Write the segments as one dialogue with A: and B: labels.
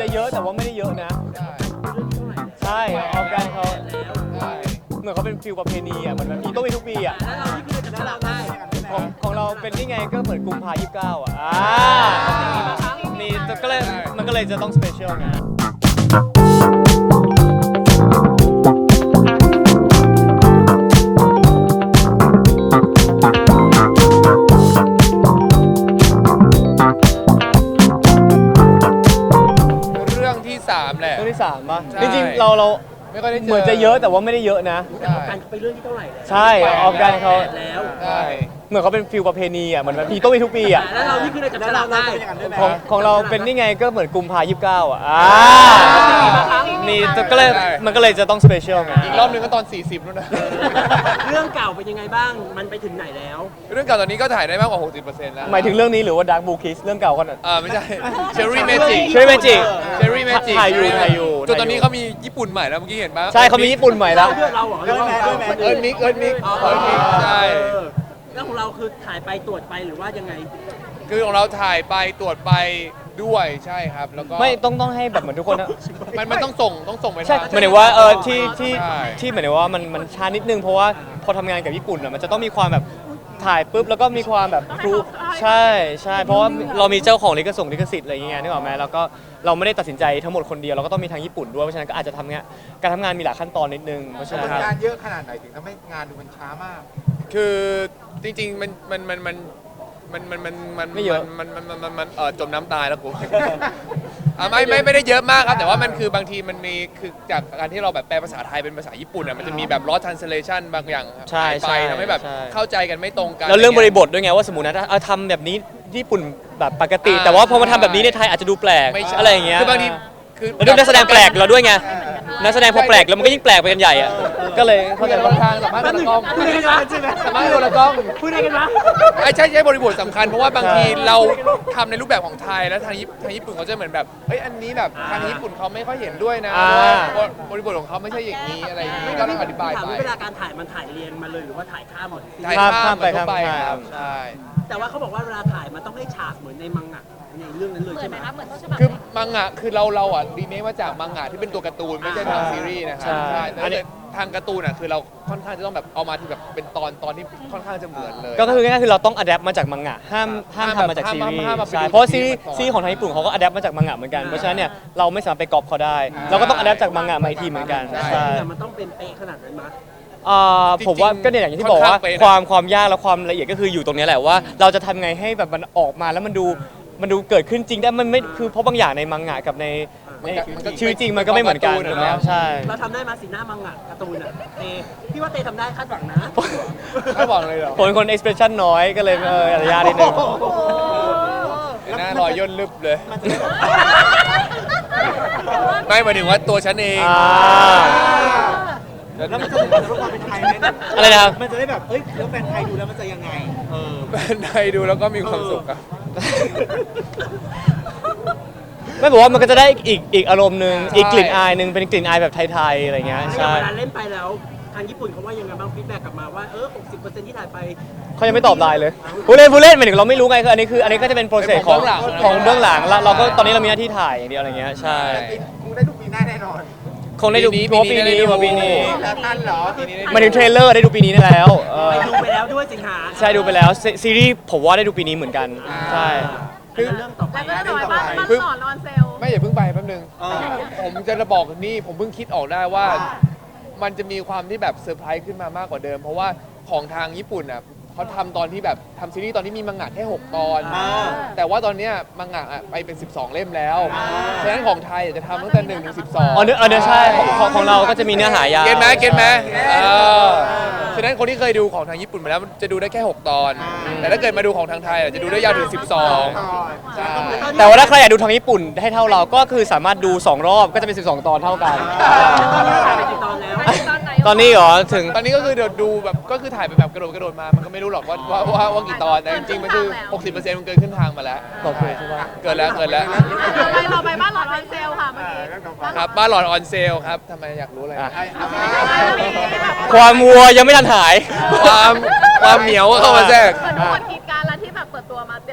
A: เยอะแต่ว่าไม่ได้เยอะนะใช่ออฟกันเขาเหมือนเขาเป็นฟิลประเพณีอ่ะเหมือนมีต้องมีทุกปีอ่ะของเราเป็นนี่ไงก็เหมือนกุมภา29อ่ะมีก็เลยมันก็เลยจะต้องสเปเชียลไง
B: เรื่องที่3แหละ
A: เรื่องที่3ป่ะจริงๆเรา
B: ไม่ค่อยได้เจอ
A: เหมือนจะเยอะแต่ว่าไม่ได้เยอะนะ
C: การไปเรื่องที่เท่าไหร่
A: ใช่ออฟกันเขา
C: แล้ว
B: ใช่
A: เหมือนเขาเป็นฟิลประเพณีอ่ะเหมือนมีต้องมีทุกปีอ่ะ
C: แล้วเรานี่คือเราจับฉลากได้
A: ของเราเป็นนี่ไงก็เหมือนกุมภา29อ่ะมีก็เลยมันก็เลยจะต้องสเปเชียลไง
B: อีกรอบนึงก็ตอน40นู่นนะ
C: เรื่องเก่าเป็นยังไงบ้างมันไปถึงไหนแล้ว
B: เรื่องเก่าตอนนี้ก็ถ่ายได้มากกว่า 60% แล้ว
A: หมายถึงเรื่องนี้หรือว่า Dark Blue Kiss เรื่องเก่าก่อน
B: ไม่ใช่ Cherry Magic
A: Cherry Magic ถ่ายอยู่
B: จนตอนนี้เขามีญี่ปุ่นใหม่แล้วเมื่อกี้เห็นปะ
A: ใช่เขามีญี่ปุ่นใหม่แล้ว
C: เราเหรอ
B: เอิร์ธมิกใช่
C: แล้วของเราคือถ่ายไปตรวจไปหรือว่ายังไง
B: คือของเราถ่ายไปตรวจไปด้วยใช่ครับแล้วก็
A: ไม่ต้องให้แบบเหมือนทุกคนนะ
B: มันต้องส่งไป
A: ใช่หมายถึงว่าที่หมายถึงว่ามันช้านิดนึงเพราะว่าพอทำงานกับญี่ปุ่นอ่ะมันจะต้องมีความแบบถ่ายปุ๊บแล้วก็มีความแบบครูใช่เพราะว่าเรามีเจ้าของลิขสิทธิ์อะไรอย่างเงี้ยนึกออกไหมแล้วก็เราไม่ได้ตัดสินใจทั้งหมดคนเดียวเราก็ต้องมีทางญี่ปุ่นด้วยเพราะฉะนั้นก็อาจจะทำการทำงานมีหลายขั้นตอนนิดนึงเพราะฉะนั้น
D: งานเยอะขนาดไหนถึงทำให้งานดูมันช้ามาก
B: คือจริงๆมัน
A: ไม่เยอะ
B: มันจมน้ำตายแล้วกูไม่ได้เยอะมากครับแต่ว่ามันคือบางทีมันมีคือจากการที่เราแบบแปลภาษาไทยเป็นภาษาญี่ปุ่นอ่ะมันจะมีแบบ lost translation บางอย่างหายไปทำให้แบบเข้าใจกันไม่ตรงกัน
A: แล้วเรื่องบริบทด้วยไงว่าสมมุตินะทำแบบนี้ญี่ปุ่นแบบปกติแต่ว่าพอมาทำแบบนี้ในไทยอาจจะดูแปลกอะไรอย่างเงี้ย
B: คือบางที
A: แล้วด้วยนักแสดงแปลกเราด้วยไงนักแสดงพอแปลกแล้วมันก็ยิ่งแปลกไปกันใหญ่อ่ะก็เลยเข้าใจ
B: ว่าทางสัมภาษณ์คนละกล้อง
C: พูดได้กันวะ
B: สัมภาษณ์คนละกล้อง
C: พูดได้กันวะ
B: ใช่บริบทสำคัญเพราะว่าบางทีเราทำในรูปแบบของไทยแล้วทางญี่ปุ่นเขาจะเหมือนแบบเฮ้ยอันนี้แบบทางญี่ปุ่นเขาไม่ค่อยเห็นด้วยนะบริบทของเขาไม่ใช่อย่างนี้อะไรอย่างนี้ก็ต้องอธิบายไป
C: เวลาการถ่ายมันถ่ายเรียงมาเลยหรือว่าถ่ายข้ามหมด
B: ถ่ายข้ามไปครับใช่
C: แต่ว่าเขาบอกว่าเวลาถ่ายมันต้องให้ฉากเหมือนในมังงะในเรื่องนั้นเลยใช่ไหมครับเหมือนต้นฉบับ
B: คือมังงะคือเราอ่ะรีเมคมาจากมังงะที่เป็นตัวการ์ตูนไม่ใช่ทางซีรีส์นะครับใช่แต่ทางการ์ตูนอ่ะคือเราค่อนข้างจะต้องแบบเอามาที่แบบเป็นตอนที่ค่อนข้างจะเหมือนเลย
A: ก็คือง่ายๆคือเราต้องอัดแอปมาจากมังงะห้ามทำมาจากซีรีส์ใช่เพราะซีรีส์ของทางญี่ปุ่นเขาก็อัดแอปมาจากมังงะเหมือนกันเพราะฉะนั้นเนี่ยเราไม่สามารถไปก๊อปเขาได้เราก็ต้องอัดแอปจากมังงะมาอีกทีเหมือนกัน
C: ใช่มันต้องเป็นเป๊ะขนาดนั้นมั้ย
A: ผมว่าก็เนี่ยอย่างที่บอกว่าความยากและความละเอียดก็คืออยู่ตรงนี้แหละว่าเราจะทำไงให้แบบมันออกมาแล้วมันดูเกิดขึ้นจริงได้มันไม่คือเพราะบางอย่างในมังงะกับในชีวิตจริงมันก็ไม่เหมือนกันนะใช่
C: เราทำได้มาสีหน้ามังงะการ์ตูนอ่ะพี่ว่าเตทำได้คาดหวังนะ
B: คาดหวังเลยเหรอ
A: ผมเป็นคน expression น้อยก็เลยอะไรยากนิดนึง
B: หน้ารอยย่นลึบเลยไม่หมายถึงว่าตัวฉันเอง
D: แล้วมันจะเป็นแบบความเป็นไทยไหม
A: อะไรนะครับ
D: มันจะได้แบบแล้วแฟนไทยดูแล้วมันจะยังไง
B: แฟนไทยดูแล้วก็มีความสุขครับ
A: ไม่บอกว่ามันก็จะได้อีกอารมณ์หนึ่งอีกกลิ่นอายหนึ่งเป็นกลิ่นอายแบบไทยๆอะไรเงี้ยใช่
C: เวลาเล่นไปแล้วทางญี่ปุ่นเขาว่ายังไงบ้างฟีดแบ็กกลับมาว่า60%ที่ถ่ายไป
A: เขายังไม่ตอบไลน์เลยผู้เล่นหมายถึงเราไม่รู้ไงคืออันนี้ก็จะเป็นโปรเซสของเบื้องหลังแล้วเราก็ตอนนี้เรามีหน้าที่ถ่ายอย่างเดียวอะไรเงี้ยใช่
D: คงได้ดูปีหน้าแน่นอน
A: คงได้ดูปีนี้
D: แล้วทันเหรอ
A: มาถึงเทรลเลอร์ได้ดูปีนี้แล้ว
C: ไปดูไปแล้วด้วยสิงหา
A: ใช่ดูไปแล้วซีรีส์ผมว่าได้ดูปีนี้เหมือนกันใช่
C: คือเรื่องต่อไป
E: แล้วก็บ้านหลอนเซล
B: ไม่อย่าเพิ่งไปแป๊บนึงผมจะบอกนี่ผมเพิ่งคิดออกได้ว่ามันจะมีความที่แบบเซอร์ไพรส์ขึ้นมามากกว่าเดิมเพราะว่าของทางญี่ปุ่นอ่ะเขาทำตอนที่แบบทำซีรีส์ตอนที่มีมังงะแค่6ตอนแต่ว่าตอนนี้มังงะไปเป็น12เล่มแล้วฉะนั้นของไทยจะทำตั้งแต่1 ถึง 12
A: อ๋อเนื้อใช่ของเราก็จะมีเนื้อหายาว
B: เก็ตไหมฉะนั้นคนที่เคยดูของทางญี่ปุ่นมาแล้วจะดูได้แค่6ตอนแต่ถ้าเกิดมาดูของทางไทยจะดูได้ยาวถึง12ใช่
A: แต่ว่าถ้าใครอยากดูทางญี่ปุ่นให้เท่าเราก็คือสามารถดู2รอบก็จะเป็น12ตอนเท่ากันตอนนี้เหรอถึง
B: ตอนนี้ก็คือเดี๋ยวดูแบบก็คือถ่ายไปแบบกระโดดมามันก็ไม่รู้หรอกว่ากี่ตอนแต่จริงๆมันคือ 60% มันเกินขึ้นทางมาแล้ว
A: โอเคใช่ป่ะ
B: เกินแล้ว
E: เราไปบ้านหลอนออนเซลค่ะเมื่อกี้
B: ครับบ้านหลอนออนเซลครับทำไมอยากรู้อะไร
A: ความวัวยังไม่ทันหาย
B: ความเหนียวเข้ามาแทรก
E: เหมือนทุกคนคิดการแล้วที่แบบเปิดตัวมาเตรียมเรา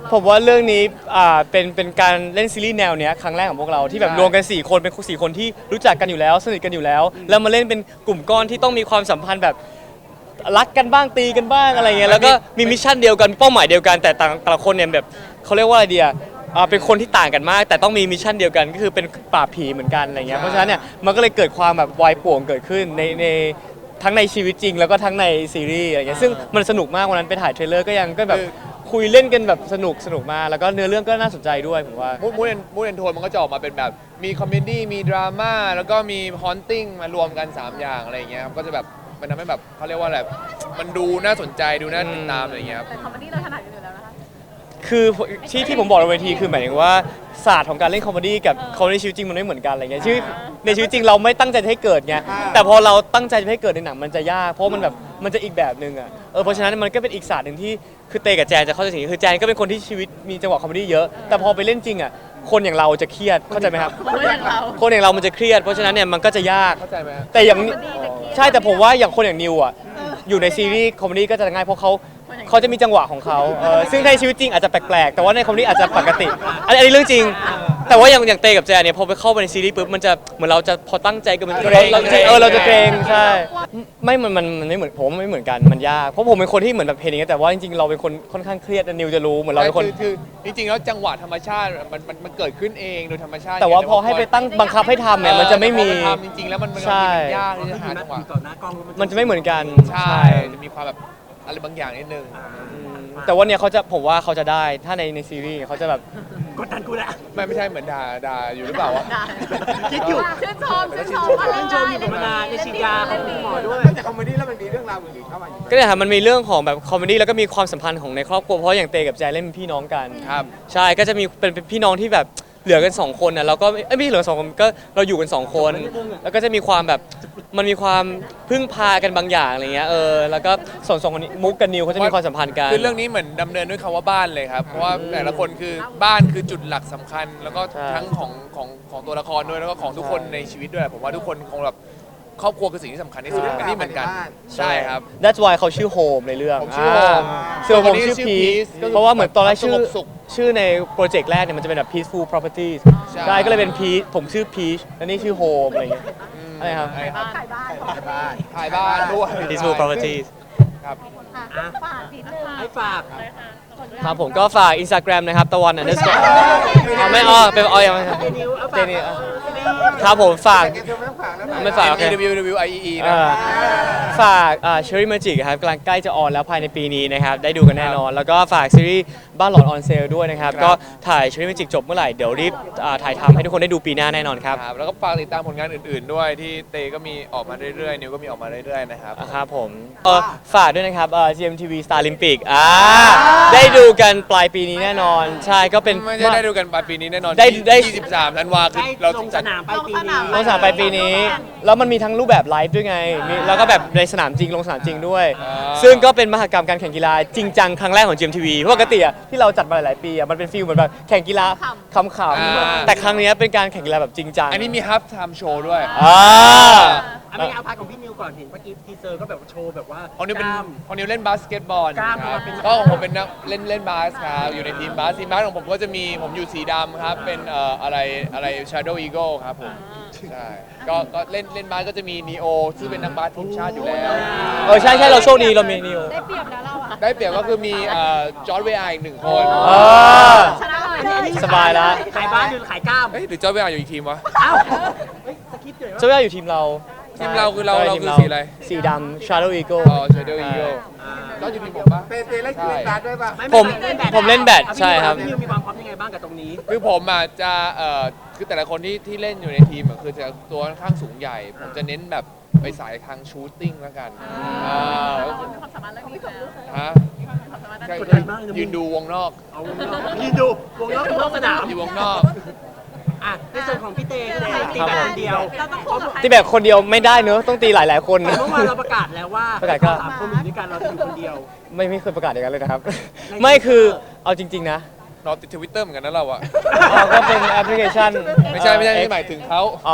A: ผมว่าเรื่องนี้เป็นการเล่นซีรีส์แนวเนี้ยครั้งแรกของพวกเราที่แบบรวมกัน4คนเป็น4คนที่รู้จักกันอยู่แล้วสนิทกันอยู่แล้วแล้วมาเล่นเป็นกลุ่มก้อนที่ต้องมีความสัมพันธ์แบบรักกันบ้างตีกันบ้างอะไรเงี้ยแล้วก็มีมิชชั่นเดียวกันเป้าหมายเดียวกันแต่แต่ละคนเนี่ยแบบเขาเรียกว่าอะไรเดียเป็นคนที่ต่างกันมากแต่ต้องมีมิชชั่นเดียวกันก็คือเป็นปราบผีเหมือนกันอะไรเงี้ยเพราะฉะนั้นเนี่ยมันก็เลยเกิดความแบบวายป่วงเกิดขึ้นในทั้งในชีวิตจริงแล้วก็ทั้งในซีรีส์อะไรเงี้ยซึ่งมันสนุกมากวันนั้นไปถ่ายเทรลเลอร์ก็ยังก็แบบคุยเล่นกันแบบสนุกมากแล้วก็เนื้อเรื่องก็น่าสนใจด้วยผมว่า
B: มูดแอนโทนมันก็จะออกมาเป็นแบบมีคอมเมดี้มีดราม่าแล้วก็มีฮอนติ้งมารวมกัน3อย่างอะไรอย่างเงี้ยครับก็จะแบบมันทำให้แบบเขาเรียกว่าอะไรมันดูน่าสนใจดูน่าติดตามอะไรอย่างเงี้ยครับ
E: แต่คอมเมดี้เราถนัดกันอยู่แล้วนะคะ
A: คือที่ผมบอกในเวทีคือหมายถึงว่าศาสตร์ของการเล่นคอมเมดี้กับคอมเมดี้ชีวิตจริงมันไม่เหมือนกันอะไรเงี้ยชีวิตในชีวิตจริงเราไม่ตั้งใจจะให้เกิดไงแต่พอเราตั้งใจจะให้เกิดในหนังมันจะยากเพราะมันแบบมันจะอีกแบบนึงอ่ะเพราะฉะนั้นมันก็เป็นอีกศาสตร์หนึ่งที่คือเตกับแจนจะเข้าใจสิ่งนี้คือแจนก็เป็นคนที่ชีวิตมีจังหวะคอมเมดี้เยอะแต่พอไปเล่นจริงอ่ะคนอย่างเราจะเครียดเข้าใจไหมครับ
E: คนอย่างเรา
A: คนอย่างเรามันจะเครียดเพราะฉะนั้นเนี่ยมันก็จะยาก
B: เข้าใจไหม
A: แต่อย่าง
E: คอมเมดี้จะเครียด
A: ใช่แต่ผมว่าอย่างคนอย่างนิวอ่ะอยู่ในซีรีส์คอมเมดี้ก็จะง่ายเพราะเขาจะมีจังหวะของเขาซึ่งในชีวิตจริงอาจจะแปลกๆแต่ว่าในคอมเมดี้อาจจะปกติอันนี้เรื่องจริง แต่ว่าอย่างเตกับแจนเนี่ยพอไปเข้าไปในซีรีส์ปุ๊บมันจะเหมือนเราจะพอตั้งใจกันมันเราจะเกรงใช่ไม่มันไม่เหมือนผมไม่เหมือนกันมันยากเพราะผมเป็นคนที่เหมือนแบบเพลงอย่างเงี้ยแต่ว่าจริงๆเราเป็นคนค่อนข้างเครียดนิวจะรู้เหมือนเราเป็นคน
B: คือจริงๆแล้วจังหวะธรรมชาติมันเกิดขึ้นเองโดยธรรมชาติ
A: แต่ว่าพอให้ไปตั้งบังคับให้ทำเนี่ยมันจะไม่มี
B: พอปทำจริงๆแล้วมัน
A: ใช่
B: ยากที่จะหาจังหวะ
C: ต่อหน้ากล้อง
A: มันจะไม่เหมือนกัน
B: ใช่จะมีความแบบอะไรบางอย่างนิดนึง
A: แต่ว่าเนี่ยผมว่าเขาจะได้ถ้าในซีรีส์เขาจะแบบ
C: กดดันกูแล้ว
B: ไม่ใช่เหมือนด่าอยู่หรือเปล่าวะ
C: คิดอยู่
E: ชื่นชมชื่นชม
C: ชื่นชมอยู่กับมานานในฉีดยาของคุณหมอด้วย
D: แต่คอมเมดี้แล้วมันมีเรื่องราวอื่นๆเข้ามาอยู่
A: ก็เนี่ยครับมันมีเรื่องของแบบคอมเมดี้แล้วก็มีความสัมพันธ์ของในครอบครัวเพราะอย่างเตกับแจนเล่นเป็นพี่น้องกัน
B: ครับ
A: ใช่ก็จะมีเป็นพี่น้องที่แบบเหลือกัน2คนนะแล้วก็ไม่ใช่เหลือ2คนก็เราอยู่กัน2คนแล้วก็จะมีความแบบมันมีความพึ่งพากันบางอย่างอะไรเงี้ยแล้วก็ส่วน2คนนี้มุกกับนิวเขาจะมีความสัมพันธ์กัน
B: คือเรื่องนี้เหมือนดำเนินด้วยคำว่าบ้านเลยครับเพราะว่าแต่ละคนคือบ้านคือจุดหลักสำคัญ แล้วก็
A: ใช่
B: ทั้งของตัวละครด้วยแล้วก็ของทุกคนในชีวิตด้วยผมว่าทุกคนคงแบบครอบครัวคือสิ่งที่สำคัญที่สุดอันนี้เหมือนกันใช่ครับ
A: That's why เขาชื่อโฮมในเรื่อง
B: ผมชื่อโฮม
A: ส่วนผมชื่อ
B: ชื่อ
A: พีช
B: Peace ก็คือ
A: เพราะว่าเหมือนตอนแรกชื่อ
B: สงบสุข
A: ชื่อในโปรเจกต์แรกเนี่ยมันจะเป็นแบบ peaceful properties
B: ใช่
A: ใช่ก็เลยเป็นพีชผมชื่อพีชแล้วนี่ชื่อโฮมอะไรอย่างเงี้ยอะไรครับ
B: อะไรครับ
E: ขายบ้าน
B: ถ่ายบ้านด้วย
A: peaceful properties
B: ครับ
E: ฝากนิดนึง
C: ให้ฝาก
A: ครับผมก็ฝาก Instagram นะครับตะวัน underscore ไม่เป็นยังไม่
C: เจนิวเอาฝาก
A: เจนี่ครับผมฝาก
D: เธอไม่ต้องฝากแล้ว
A: ไม่ฝากโอเค
B: WWIE นะ
A: ฝากCherry Magic ครับกำลังใกล้จะออนแล้วภายในปีนี้นะครับได้ดูกันแน่นอน แล้วก็ฝากซีรีส์บ้านหลอนออนเซลด้วยนะครับ
B: ครับ
A: ก็ถ่าย Cherry Magic จบเมื่อไหร่ เดี๋ยวรีบถ่ายทำให้ทุกคนได้ดูปีหน้าแน่นอนครับ
B: ครับแล้วก็ฝากติดตามผลงานอื่นๆด้วยที่เตก็มีออกมาเรื่อยๆนิวก็มีออกมาเรื่อยๆนะครับ
A: ครับผมฝากด้วยนะครับGMTV Star Olympic ได้ดูกันปลายปีนี้แน่นอน ใช่ก็เป็น
B: ไม่ได้ดูกันปลายปีนี้แน่นอน
A: ได้
B: 23ธันวาคม
C: ใกล้
B: เรา
C: ลงส
B: จัด
C: นามไปปีนี้
A: ลงสนามปลายปีนี้ แล้วมันมีทั้งรูปแบบไลฟ์ด้วยไงแล้วก็แบบในสนามจริงลงสนามจริงด้วย ซึ่งก็เป็นมหกรรมการแข่งกีฬาจริงจังครั้งแรกของ GMTV เพราะปกติที่เราจัดมาหลายๆปีมันเป็นฟีลเหมือนแบบแข่งกีฬาขำๆแต่ครั้งนี้เป็นการแข่งกีฬาแบบจริงจัง
B: อันนี้มีฮับไทม์โชว์ด้วย
C: อันนี้เอาพาร์ทของพี่นิวก่อนเห็นเมื่อกี้ทีเซอร์ก็แบบโชว์แบบว่า
B: ของนิวเป็น
C: กล้าม
B: ของนิวเล่นบาสเกตบอล
C: กล้าม
B: ครับ
C: เป็น
B: ก็ของผมเป็นนักเล่นบาสครับอยู่ในทีมบาสของผมก็จะมีผมอยู่สีดำครับเป็นอะไร Shadow Eagle ครับผมใช่ก็เล่นบาสก็จะมีนีโอซึ่งเป็นนักบาสทีมชาติอยู่แล้ว
A: ใช่เราโชคดีเรามีนิว
E: ได้เปรียบแล้วเราอ่ะ
B: ได้เปรียบก็คือมีจอร์ดเวียร์อีก1 คน
E: ชนะเลย
A: สบายแล้ว
C: ขายบ้านหรือขายกล้าม
B: เอ้ยหรือจอร์ดเวียร์อยู่อีกทีมวะ
C: เอ้าเฮ้ยสคริปต์เลย
A: เจ้าย่าอยู่ทีมเรา
B: ทีมเราคือเรา
A: ใช่
B: เรา
A: ทีม
B: คือสีอะไร
A: สีดำ Shadow Eagle
B: อ๋อ Shadow Eagle ก็อยู่ทีมผมปะ
D: เตเล่นกีฬาด้วยป่ะ
A: ผมเล่นแบดใช่ครับ
C: พี่นิวมีความพร้อมยังไงบ้างกับตรงนี้
B: คือผมอ่ะจะคือแต่ละคนที่เล่นอยู่ในทีมอะคือจะตัวค่อนข้างสูงใหญ่ ผมจะเน้นแบบไปสายทางชูตติ้งแล้วกัน
E: มีความสามารถเรื่องนี้แล้ว
B: ฮะ
E: มีความสามารถ
B: ใช่
C: กดดันมากเลยนะ
B: ยืนดูวงนอก
C: เอาวงนอกยืนดูวงนอกสนาม
B: อยู่วงนอก
C: อ่ะในส่วนของพี่เต้ก็ได้ตีแบบคนเดียว
E: เราต้องคู่กับใคร
A: ตีแบบคนเดียวไม่ได้เนอะต้องตีหลายๆคน
C: แต่เมื่อวานเราประกาศแล้วว่า
A: ประกาศก็
C: 3 คนอยู่ด้วยกันเราจะอยู่คนเดียว
A: ไม่เคยประกาศอย่างนั้นเลยนะครับ ไม่คือเอาจริง ๆ นะ
B: นอนติดทวิตเตอร์เหมือนกันนะเราอะ
A: ก็เป็นแอปพลิเคชัน
B: ไม่ใช่หมายถึงเขา
A: อ๋อ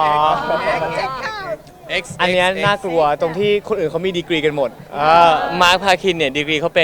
B: X
A: อันเนี้ยน่ากลัวตรงที่คนอื่นเขามีดีกรีกันหมดมาร์คพาคินเนี่ยดีกรีเขาเป็น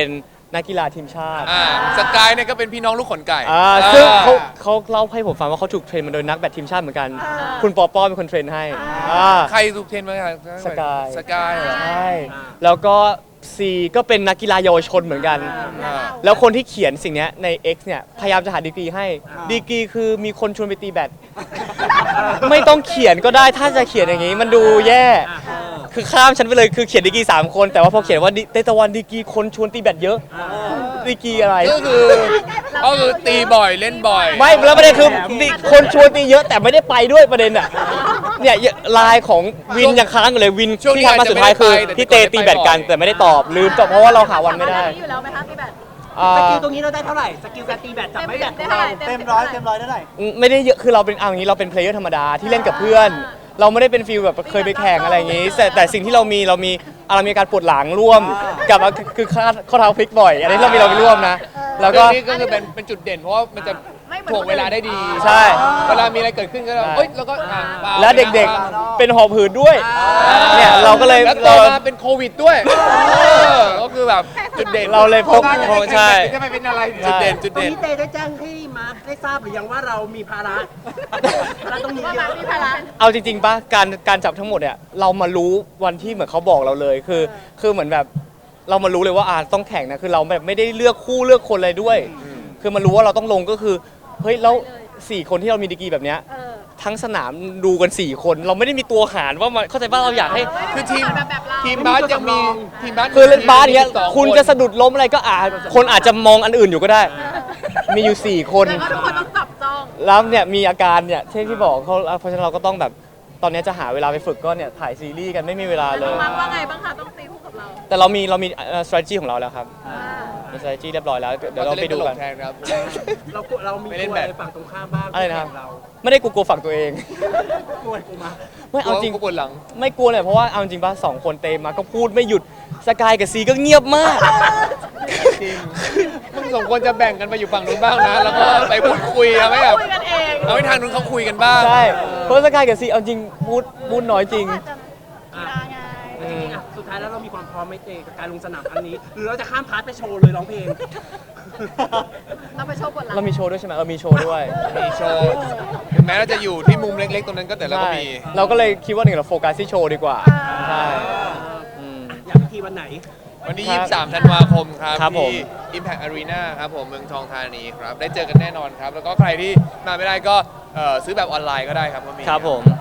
A: นักกีฬาทีมชาติ
B: สกายเนี่ยก็เป็นพี่น้องลูกขนไก่
A: ซึ่งเขาเล่าให้ผมฟังว่าเขาถูกเทรนมาโดยนักแบดทีมชาติเหมือนกัน คุณปอป้อเป็นคนเทรนให้า
B: ใครถูกเทรนมาครับ
A: สกาย
B: สกายเหรอ
A: ใช่แล้วก็ซีก็เป็นนักกีฬาเยาวชนเหมือนกัน
B: อ่า
A: แล้วคนที่เขียนสิ่งเนี้ยใน X เนี่ยพยายามจะหาดีกรีให้ดีกรีคือมีคนชวนไปตีแบด ไม่ต้องเขียนก็ได้ถ้าจะเขียนอย่างนี้มันดูแย่ คือข้ามฉันไปเลยคือเขียนดีกรี3 คนแต่ว่าพอเขียนว่าเตตะวันดีกรีคนชวนตีแบดเยอะดีกรีอะไร
B: ก็คือตีบ่อยเล่นบ่อย
A: ไม่แล้วประเด็นคือคนชวนตีเยอะแต่ไม่ได้ไปด้วยประเด็นอ่ะเนี่ยไลน์ของวินยังค้างอยู่เลยวิน
B: ช่วงนี้
A: ที่ทำมาสุดท้ายคือ
B: อาจจะไม่ได้ไป
A: พี่เตตีแบดกัน
B: แต่ก่อนได้ไปบ่อย
A: แต่ไม่ได้ตอบลืมตอบเพราะว่าเราหาวันไม่ได้
E: อยู่แล้วไหมคะพี่แบท
C: สกิลตรงนี้เราได้เท่าไหร่สกิลการตีแบตจับไม่แบตของเรา
E: เต็มร้อยเท่าไหร่
A: ไม่ได้เยอะคือเราเป็นเอาอย่างนี้เราเป็นเพลเยอร์ธรรมดาที่เล่นกับเพื่อน เราไม่ได้เป็นฟิลแบบเคยไปแข่งอะไรอย่างนี้ แต่สิ่งที่เรามีเรามีการปวดหลังร่วมกับคือข้อเท้าพลิกบ่อยอันนี้เรามีร่วมนะแล้วก็
B: เรื่องนี้ก็คือเป็นจุดเด่นเพราะว่ามันจะถ่วงเวลาได้ดี
A: ใช่
B: เวลามีอะไรเกิดขึ้นก็เรา
A: ใช่
B: เอ้ยแล้วก็ปา
A: และเด็กๆเป็นหอบหืดด้วยเนี่ยเราก็เลย
B: แล้วโตมาเป็นโควิดด้วยก็คือแบบจุดเด่น
A: เราเลยพกใช่
D: จะไปเป็นอะไร
B: จุดเด่นจุด
C: ตรง
B: เด่น
C: นี้เตได้แจ้งให้มาร์คได้ทราบหรือยังว่าเรามีภาระตรงนี้
E: ว่า
C: เย
E: มา
C: อะ
E: พี่ภาระ
A: เอาจริงๆป่ะการจับทั้งหมดเนี่ยเรามารู้วันที่เหมือนเขาบอกเราเลยคือเหมือนแบบเรามารู้เลยว่าต้องแข่งนะคือเราแบบไม่ได้เลือกคู่เลือกคนเลยด้วย คือมันรู้ว่าเราต้องลงก็คือเฮ้ยแล้ว4 คนที่เรามีดีกรีแบบเนี้ยทั้งสนามดูกัน4 คนเราไม่ได้มีตัวหารว่ามันเข้าใจป่ะเราอยากให้
B: คือทีม
E: แบบเรา
B: ทีมบาสยังมีทีมบาส
A: คือเล่นบาสอย่างเงี้ย
B: 12
A: คุณจะสะดุดล้มอะไรก็คนอาจจะมองอันอื่นอยู่ก็ได้ มีอยู่ 4 คน
E: แล้วก็ทุกคนต้องจับจ้อง
A: แล้วเนี่ยมีอาการเนี่ยที่บอกเขาเพราะฉะนั้นเราก็ต้องแบบตอนนี้จะหาเวลาไปฝึกก็เนี่ยถ่ายซีรีส์กันไม่มีเวลาเลย
E: มาว่าไงบ้างคะต้องตีคู่กับเรา
A: แต่เรามีstrategy ของเราแล้วครับมี strategy เรียบร้อยแล้วเดี๋ยวเราไปดูกัน
B: แทนครับ
C: เรามี
B: ไม่
C: ก
B: เล่น
C: ลัว
B: แบ
C: อะ
B: ด
C: ไรฝั่งตรงข้ามบ้าง
A: อะไรนะครับ
C: เรา
A: ไม่ได้กลัวฝั่งตัวเอง
C: กลัวกูมา
A: ไม่เอาจริง
B: ก็ปวดหลัง
A: ไม่กลัวเลยเพราะว่าเอาจริงป่ะ2 คนเตมมาก็พูดไม่หยุดสกายกับซีก็เงียบมาก
B: จริงมึงสองคนจะแบ่งกันไปอยู่ฝั่งนู้นบ้างนะ แล้วก็ไปพูดคุยเอาไม่แบบ
E: คุยกันเอง
B: เอาให้ทางนู้นเขาคุยกันบ้าง
A: ใช่เพราะสกายกับซีเอาจริงพูดน้อยจริง
E: กีฬาไง
C: สุดท้ายแล้วเรามีความพร้อมไหมเตกับการลงสนามครั้งนี้ หรือเราจะข้ามพาร์ทไปโชว์เลยร้องเพลง
E: เราไปโชว์บทลั
A: เรามีโชว์ด้วยใช่ไหมมีโชว์ด้วย
B: มีโชว์ถึงแม้เราจะอยู่ที่มุมเล็กๆ ตรงนั้นก็แต่เราก็มี
A: ใช่เราก็เลยคิดว่าเราโฟกัสที่โชว์ดีกว่าใช่อืม
C: อยากพิธีวันไหน
B: วันที่
A: ครับ
B: 23 ธันวาคมครับ
A: ครับผม
B: ที่ Impact Arena ครับผมเมืองทองธานีครับ ได้เจอกันแน่นอนครับ แล้วก็ใครที่มาไม่ได้ก็ซื้อแบบออนไลน์ก็ได้ครับก็มี
A: ครับผม